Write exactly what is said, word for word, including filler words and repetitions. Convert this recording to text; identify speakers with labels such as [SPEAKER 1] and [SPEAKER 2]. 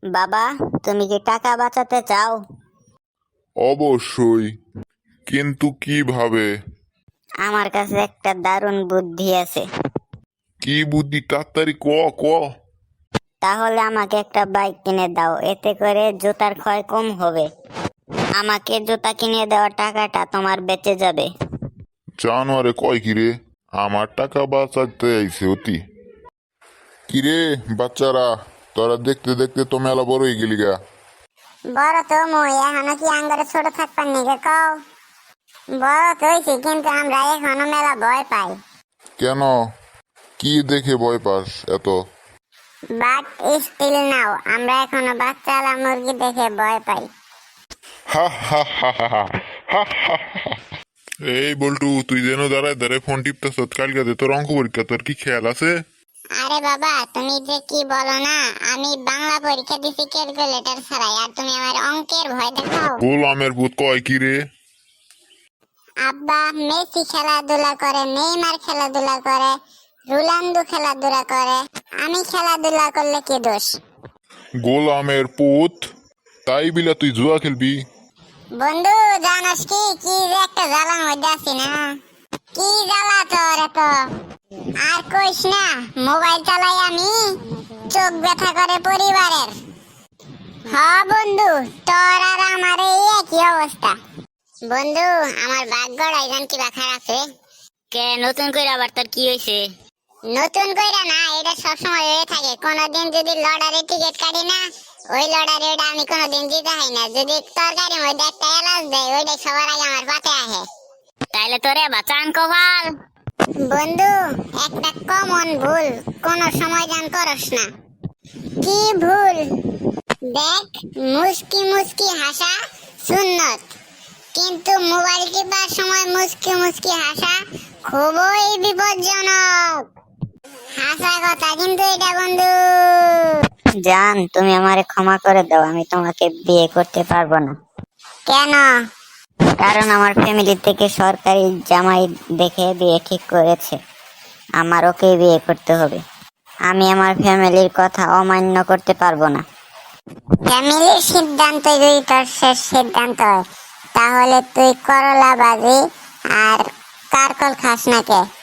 [SPEAKER 1] বাবা, তুমি কি টাকা বাঁচাতে চাও?
[SPEAKER 2] অবশ্যই, কিন্তু কিভাবে?
[SPEAKER 1] আমার কাছে একটা দারুণ বুদ্ধি আছে।
[SPEAKER 2] কি বুদ্ধি? তাড়াতাড়ি ক ক।
[SPEAKER 1] তাহলে আমাকে একটা বাইক কিনে দাও, এতে করে জুতার ক্ষয় কম হবে। আমাকে জুতা কিনে দেওয়া টাকাটা তোমার বেঁচে যাবে।
[SPEAKER 2] জানোয়ারে কয় কিরে, আমার টাকা বাঁচাতে আইছে অতি। কিরে বাচ্চারা, তোরা দেখতে দেখতে তো মেলা বড় হয়ে গেলি গা।
[SPEAKER 3] বড় তো মই এখনো কি আঙ্গারে ছোট থাকবার নিকে কও। বড় তো হইছি কিন্তু আমরা এখনো মেলা ভয় পাই।
[SPEAKER 2] কেন? কি দেখে ভয় পাস এত?
[SPEAKER 3] বাট স্টিল নাও আমরা এখনো বাচ্চালা মুরগি দেখে ভয় পাই।
[SPEAKER 2] হা হা হা হা হা হা হা হা। এই বল্টু, তুই যেন দাঁড়ায় দাঁড়ায় ফোন টিপতেছ, কালকে তোর অঙ্ক পরীক্ষা, তোর কি খেয়াল আছে?
[SPEAKER 3] আরে বাবা তুমি যে কি বলো না, আমি বাংলা পরীক্ষা দিছি ক্যালকুলেটর ছাড়াই আর তুমি আমার অঙ্কের ভয় দেখাও।
[SPEAKER 2] গোলামের ভূত কয় কিরে?
[SPEAKER 3] আব্বা মেসি খেলাধুলা করে, নেইমার খেলাধুলা করে, রোনাল্ডো খেলাধুলা করে, আমি খেলাধুলা করলে কি দোষ?
[SPEAKER 2] গোলামের পুত, তাই বিলা তুই জুয়া খেলবি?
[SPEAKER 3] বন্ধু জানোস কি কি যে একটা জ্বালার মধ্যে আছি না, কি জ্বালা তোর এত। আর কইস না, মোবাইল চালাই আমি, চোখ ব্যথা করে পরিবারের। হ বন্ধু, তোর আর আমার এই একই অবস্থা। বন্ধু আমার ভাগ্যটা জান কি বা খারাপ রে।
[SPEAKER 1] কে নতুন করে আবার তোর কি হয়েছে?
[SPEAKER 3] নতুন কইরা না, এটা সবসময় হয়ে থাকে। কোনোদিন যদি লটারি টিকিট কাটি না, ওই লটারি ওটা আমি কোনোদিন জিতে হয় না। যদি তরকারির মধ্যে একটা এলাচ দেয়, ওইটা সবার আগে আমার পাতে আসে।
[SPEAKER 1] তাইলে তোরে বাঁচান কপাল।
[SPEAKER 3] বন্ধু একটা কমন ভুল কোন সময় জান করস না। কি ভুল? দেখ, মুস্কি মুস্কি হাসা সুন্নত, কিন্তু মোবাইল টিপার সময় মুস্কি মুস্কি হাসা খুবই বিপজ্জনক। হাসা কথা কিন্তু এটা বন্ধু।
[SPEAKER 1] জান, তুমি আমারে ক্ষমা করে দাও, আমি তোমাকে বিয়ে করতে পারবো না।
[SPEAKER 3] কেন?
[SPEAKER 1] কারণ আমার ফ্যামিলি থেকে সরকারি জামাই দেখে বিয়ে ঠিক করেছে। আমার ওকে বিয়ে করতে হবে। আমি আমার ফ্যামিলির কথা অমান্য করতে পারবো না।
[SPEAKER 3] ফ্যামিলির সিদ্ধান্ত যদি তোর শেষ সিদ্ধান্ত হয়, তাহলে তুই করলা বাজি আর কারকল খাস না কে?